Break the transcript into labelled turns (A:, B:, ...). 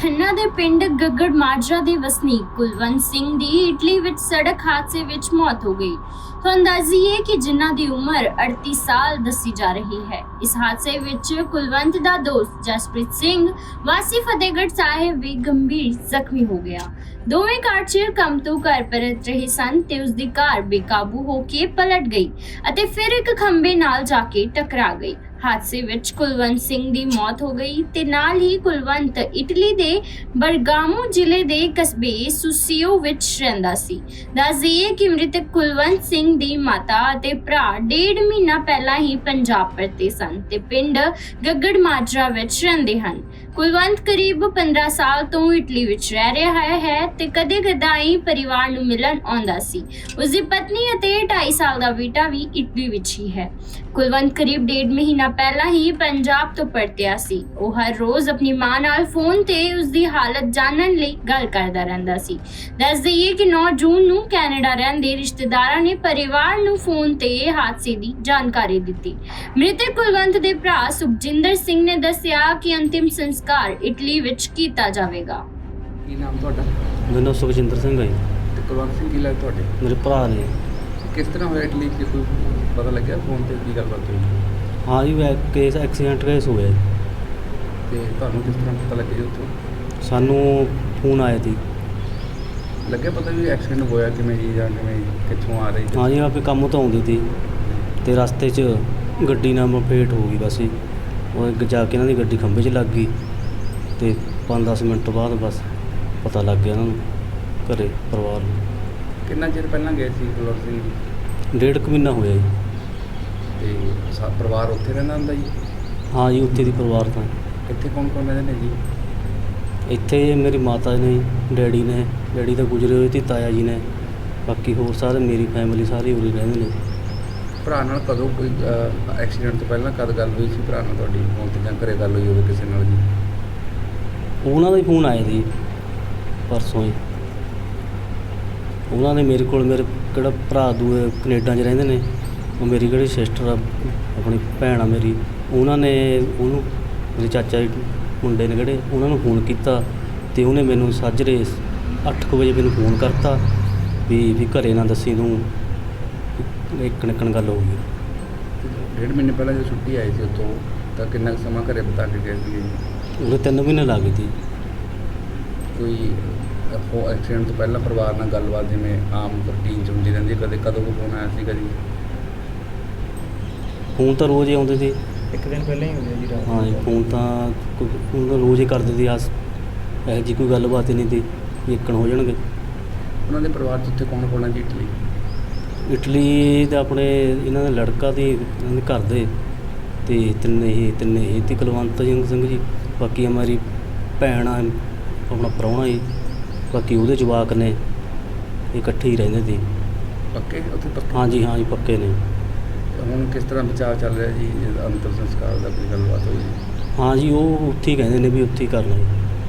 A: ਖੰਨਾ ਦੇ ਪਿੰਡ ਗੱਗੜ ਮਾਜਰਾ ਦੇ ਵਸਨੀਕ ਕੁਲਵੰਤ ਸਿੰਘ ਦੀ ਇਟਲੀ ਵਿੱਚ ਸੜਕ ਹਾਦਸੇ ਵਿੱਚ ਮੌਤ ਹੋ ਗਈ। तो अंदाज़िए कि जिन्हां दी उम्र 38 साल दसी जा रही है। इस हादसे विच कुलवंत दा दोस्त जसप्रीत सिंह वासी फतेहगढ़ साहिब भी गंभीर जख्मी हो गया। दोवें कार च कम तो घर परत रहे सन ते उसदी कार बेकाबू होके पलट गई अते फिर एक खंबे नाल जाके टकरा गई। हादसे विच कुलवंत सिंह दी मौत हो गई ते नाल ही कुलवंत इटली दे बरगामो जिले दे कस्बे सुसियो विच रहिंदा सी। दस दईए कि मृतक कुलवंत सिंह दी माता ते भरा 1.5 महीना पहला ही पंजाब परते सन ते पिंड गगड़ माजरा विच रहिंदे हन। कुलवंत करीब 15 साल तो इटली विच रह रहा है ते कदे कदाई परिवार नूं मिलन आउंदा सी। उसदी पत्नी अते 2.5 साल दा बेटा भी इटली विच ही है। कुलवंत करीब 1.5 महीना पहला ही पंजाब तो परतिया सी। ਉਹ ਹਰ ਰੋਜ਼ ਆਪਣੀ ਮਾਂ ਨਾਲ ਫੋਨ ਤੇ ਉਸਦੀ ਹਾਲਤ ਜਾਣਨ ਲਈ ਗੱਲ ਕਰਦਾ ਰਹਿੰਦਾ ਸੀ। ਦੱਸ ਦਈਏ ਕਿ 9 ਜੂਨ ਨੂੰ ਕੈਨੇਡਾ ਰਹਿੰਦੇ ਰਿਸ਼ਤੇਦਾਰਾਂ ਨੇ ਪਰਿਵਾਰ ਨੂੰ ਫੋਨ ਤੇ ਹਾਦਸੇ ਦੀ ਜਾਣਕਾਰੀ ਦਿੱਤੀ। ਮ੍ਰਿਤਕ ਕੁਲਵੰਤ ਦੇ ਭਰਾ ਸੁਖਜਿੰਦਰ ਸਿੰਘ ਨੇ ਦੱਸਿਆ ਕਿ ਅੰਤਿਮ ਸੰਸਕਾਰ ਇਟਲੀ ਵਿੱਚ ਕੀਤਾ ਜਾਵੇਗਾ।
B: ਕੀ ਨਾਮ ਤੁਹਾਡਾ?
C: ਮੇਰਾ ਨਾਮ ਸੁਖਜਿੰਦਰ ਸਿੰਘ ਹੈ ਜੀ।
B: ਤੇ ਕੁਲਵੰਤ ਸਿੰਘ ਕੀ ਲੱਗ ਤੁਹਾਡੇ?
C: ਮੇਰੇ ਭਰਾ ਨੇ।
B: ਕਿਸ ਤਰ੍ਹਾਂ ਹੋਇਆ ਇਟਲੀ 'ਚ ਕੋਈ ਪਤਾ ਲੱਗਿਆ ਫੋਨ ਤੇ ਕੀ ਗੱਲਬਾਤ ਹੋਈ?
C: ਹਾਂ ਜੀ, ਕੇਸ ਐਕਸੀਡੈਂਟ ਕੇਸ ਹੋਇਆ ਜੀ।
B: ਤੇ ਤੁਹਾਨੂੰ ਕਿਸ ਤਰ੍ਹਾਂ ਪਤਾ ਲੱਗਿਆ ਜੀ ਉੱਥੋਂ?
C: ਸਾਨੂੰ ਫੋਨ ਆਇਆ ਸੀ।
B: ਲੱਗਿਆ ਪਤਾ ਵੀ ਐਕਸੀਡੈਂਟ ਹੋਇਆ ਕਿਵੇਂ ਜੀ ਜਾਂ ਕਿਵੇਂ ਕਿੱਥੋਂ ਆ ਰਹੀ?
C: ਹਾਂ ਜੀ, ਆਪੇ ਕੰਮ ਤੋਂ ਆਉਂਦੀ ਸੀ ਤੇ ਰਸਤੇ 'ਚ ਗੱਡੀ ਨਾਲ ਮਪੇਟ ਹੋ ਗਈ। ਬਸ ਜੀ ਉਹ ਅੱਗੇ ਜਾ ਕੇ ਇਹਨਾਂ ਦੀ ਗੱਡੀ ਖੰਭੇ 'ਚ ਲੱਗ ਗਈ ਤੇ 5-10 ਮਿੰਟ ਬਾਅਦ ਬਸ ਪਤਾ ਲੱਗ ਗਿਆ ਇਹਨਾਂ ਨੂੰ ਘਰੇ ਪਰਿਵਾਰ ਨੂੰ।
B: ਕਿੰਨਾ ਚਿਰ ਪਹਿਲਾਂ ਗਏ ਸੀ ਕੁਲਵੰਤ ਸਿੰਘ ਜੀ?
C: 1.5 ਕੁ ਮਹੀਨਾ ਹੋਇਆ ਜੀ।
B: ਤੇ ਪਰਿਵਾਰ ਉੱਥੇ ਰਹਿੰਦਾ ਹੁੰਦਾ ਜੀ?
C: ਹਾਂ ਜੀ, ਉੱਥੇ ਦੀ ਪਰਿਵਾਰ ਤਾਂ
B: ਇੱਥੇ ਕੌਣ ਕੌਣ ਰਹਿੰਦੇ ਨੇ ਜੀ?
C: ਇੱਥੇ ਮੇਰੀ ਮਾਤਾ ਨੇ, ਡੈਡੀ ਤਾਂ ਗੁਜ਼ਰੇ ਹੋਏ ਤੇ ਤਾਇਆ ਜੀ ਨੇ, ਬਾਕੀ ਹੋਰ ਸਾਰੇ ਮੇਰੀ ਫੈਮਿਲੀ ਸਾਰੀ ਉਰੇ ਰਹਿੰਦੇ ਨੇ।
B: ਭਰਾ ਨਾਲ ਕਦੋਂ ਕੋਈ ਐਕਸੀਡੈਂਟ ਤੋਂ ਪਹਿਲਾਂ ਕਦ ਗੱਲ ਹੋਈ ਸੀ ਭਰਾ ਨਾਲ ਤੁਹਾਡੀ ਫੋਨ ਤੇ ਜਾਂ ਘਰੇ ਗੱਲ ਹੋਈ ਹੋਵੇ ਕਿਸੇ ਨਾਲ ਜੀ?
C: ਉਹਨਾਂ ਦਾ ਹੀ ਫੋਨ ਆਇਆ ਸੀ ਪਰਸੋਂ ਹੀ। ਉਹਨਾਂ ਨੇ ਮੇਰੇ ਕੋਲ, ਮੇਰੇ ਕਿਹੜਾ ਭਰਾ ਦੂਏ ਕੈਨੇਡਾ 'ਚ ਰਹਿੰਦੇ ਨੇ, ਉਹ ਮੇਰੀ ਕਿਹੜੀ ਸਿਸਟਰ ਆ, ਆਪਣੀ ਭੈਣ ਆ ਮੇਰੀ, ਉਹਨਾਂ ਨੇ ਉਹਨੂੰ, ਮੇਰੇ ਚਾਚਾ ਜੀ ਮੁੰਡੇ ਨੇ ਕਿਹੜੇ, ਉਹਨਾਂ ਨੂੰ ਫੋਨ ਕੀਤਾ ਤੇ ਉਹਨੇ ਮੈਨੂੰ ਸਾਜਰੇ 8 ਵਜੇ ਮੈਨੂੰ ਫੋਨ ਕਰਤਾ ਵੀ ਘਰੇ ਨਾ ਦੱਸੀ ਤੂੰ, ਇੱਕ ਨਿਕਣ ਗੱਲ ਹੋ ਗਈ।
B: 1.5 ਮਹੀਨੇ ਪਹਿਲਾਂ ਜਦੋਂ ਛੁੱਟੀ ਆਈ ਸੀ ਉੱਥੋਂ ਤਾਂ ਕਿੰਨਾ ਕੁ ਸਮਾਂ ਘਰੇ ਬਿਤਾ ਕੇ ਗਏ ਸੀ?
C: ਉਹਦੇ 3 ਮਹੀਨੇ ਲੱਗ ਗਏ ਸੀ।
B: ਕੋਈ ਐਕਸੀਡੈਂਟ ਤੋਂ ਪਹਿਲਾਂ ਪਰਿਵਾਰ ਨਾਲ ਗੱਲਬਾਤ ਜਿਵੇਂ ਆਮ ਰੂਟੀਨ 'ਚ ਹੁੰਦੀ ਰਹਿੰਦੀ ਕਦੇ ਕਦੋਂ ਕੋਈ ਫੋਨ ਆਇਆ ਸੀ ਕਦੀ?
C: ਫੋਨ ਤਾਂ ਰੋਜ਼ ਹੀ ਆਉਂਦੇ ਸੀ।
B: ਇੱਕ ਦਿਨ ਪਹਿਲਾਂ ਹੀ ਹੁੰਦੇ ਜੀ ਰਾਤ?
C: ਹਾਂ ਜੀ, ਫੋਨ ਤਾਂ ਰੋਜ਼ ਹੀ ਕਰਦੇ ਸੀ। ਇਹੋ ਜਿਹੀ ਕੋਈ ਗੱਲਬਾਤ ਹੀ ਨਹੀਂ ਸੀ ਵੀ ਇੱਕਣ ਹੋ ਜਾਣਗੇ।
B: ਉਹਨਾਂ ਦੇ ਪਰਿਵਾਰ 'ਚ ਉੱਥੇ ਕੌਣ ਕੌਣ ਹੈ ਜੀ ਇਟਲੀ?
C: ਇਟਲੀ ਦਾ ਆਪਣੇ ਇਹਨਾਂ ਦਾ ਲੜਕਾ ਤੇ ਇਹਨਾਂ ਦੇ ਘਰ ਦੇ ਤੇ ਤਿੰਨੇ ਹੀ ਤੇ ਕੁਲਵੰਤ ਸਿੰਘ ਜੀ, ਬਾਕੀ ਮੇਰੀ ਭੈਣ ਆ, ਆਪਣਾ ਪ੍ਰਾਹੁਣਾ ਜੀ, ਬਾਕੀ ਉਹਦੇ ਜਵਾਕ ਨੇ, ਇਕੱਠੇ ਹੀ ਰਹਿੰਦੇ ਸੀ।
B: ਪੱਕੇ ਉੱਥੇ ਪੱਕੇ?
C: ਹਾਂ ਜੀ ਪੱਕੇ ਨੇ।
B: ਹੁਣ ਕਿਸ ਤਰ੍ਹਾਂ ਬਚਾਅ ਚੱਲ ਰਿਹਾ ਜੀ? ਅੰਤਿਮ ਸੰਸਕਾਰ ਦਾ ਕੋਈ ਗੱਲਬਾਤ ਹੋਈ?
C: ਹਾਂ ਜੀ, ਉਹ ਉੱਥੇ ਹੀ ਕਹਿੰਦੇ ਨੇ ਵੀ ਉੱਥੇ ਹੀ ਕਰਨਾ ਜੀ।